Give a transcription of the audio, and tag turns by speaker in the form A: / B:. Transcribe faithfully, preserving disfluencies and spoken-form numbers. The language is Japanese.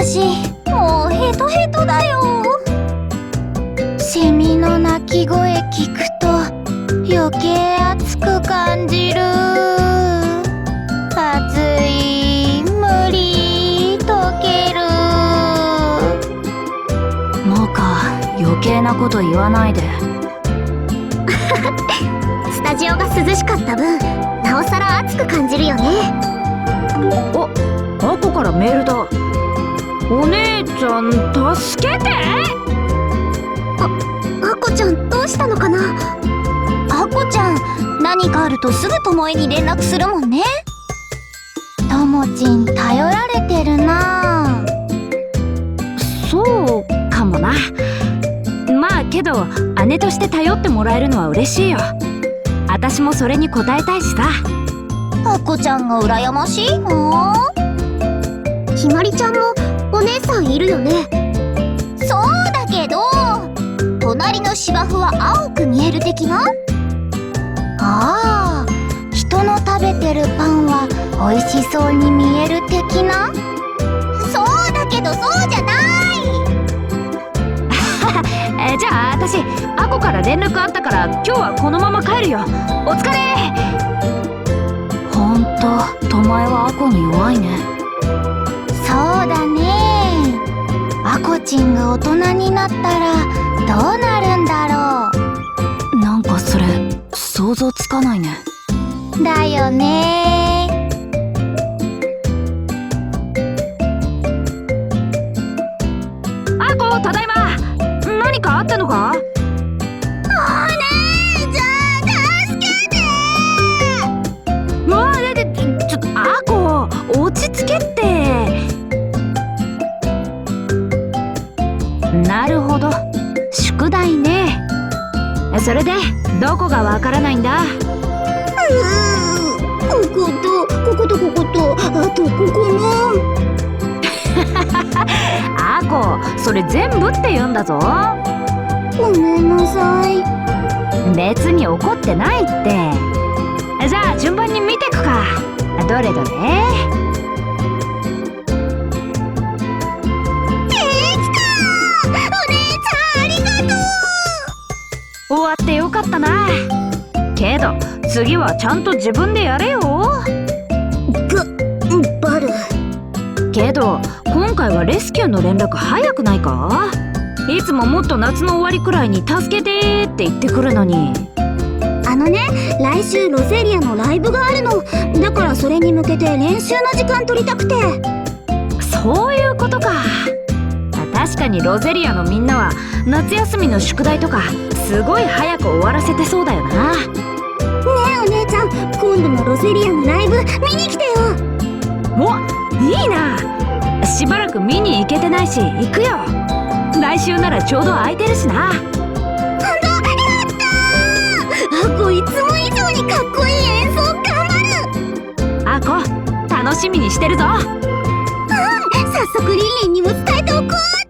A: 私もうヘトヘトだよ。セミの鳴き声聞くと余計熱く感じる。暑い、無理、溶ける。
B: もうか、余計なこと言わないで。
A: スタジオが涼しかった分なおさら暑く感じるよね。
B: お、アコからメールだ。お姉ちゃん助けて。
A: あこちゃんどうしたのかな。あこちゃん何かあるとすぐともえに連絡するもんね。ともちん頼られてるな。
B: そうかもな。まあけど姉として頼ってもらえるのは嬉しいよ。私もそれに応えたいしさ。
A: あこちゃんが羨ましいの。ひまりちゃんもお姉さんいるよね。そうだけど隣の芝生は青く見える的な。ああ、人の食べてるパンは美味しそうに見える的な。そうだけどそうじゃない。
B: えじゃあ私アコから連絡あったから今日はこのまま帰るよ。お疲れ。ほんとともえはアコに弱いね。
A: そうだね。あこちんが大人になったらどうなるんだろ
B: う。なんかそれ想像つかないね。
A: だよね。
B: あこ、ただいま。何かあったのか。
A: お姉ちゃん助けて。
B: うわあ、ででちょっとあこ落ち着けって。なるほど、宿題ね。それでどこがわからないんだ。
A: うーこことこことこことあとここも。
B: あこ、それ全部って言うんだぞ。
A: ごめんなさい。
B: 別に怒ってないって。じゃあ順番に見てくか。どれどれ。終わってよかったな。けど次はちゃんと自分でやれよ。
A: ぐ、バル。
B: けど今回はレスキューの連絡早くないか。いつももっと夏の終わりくらいに助けてって言ってくるのに。
A: あのね、来週ロゼリアのライブがあるの。だからそれに向けて練習の時間取りたくて。
B: そういうことか。確かにロゼリアのみんなは夏休みの宿題とかすごい早く終わらせてそうだよな。ね
A: えお姉ちゃん、今度のロゼリアのライブ見に来てよ。
B: お、いいな。しばらく見に行けてないし行くよ。来週ならちょうど空いてるしな。
A: ほんとやったー。あこいつも以上にかっこいい演奏頑張る。
B: あこ、楽しみにしてるぞ。
A: うん、早速リンリンにも伝えておこう。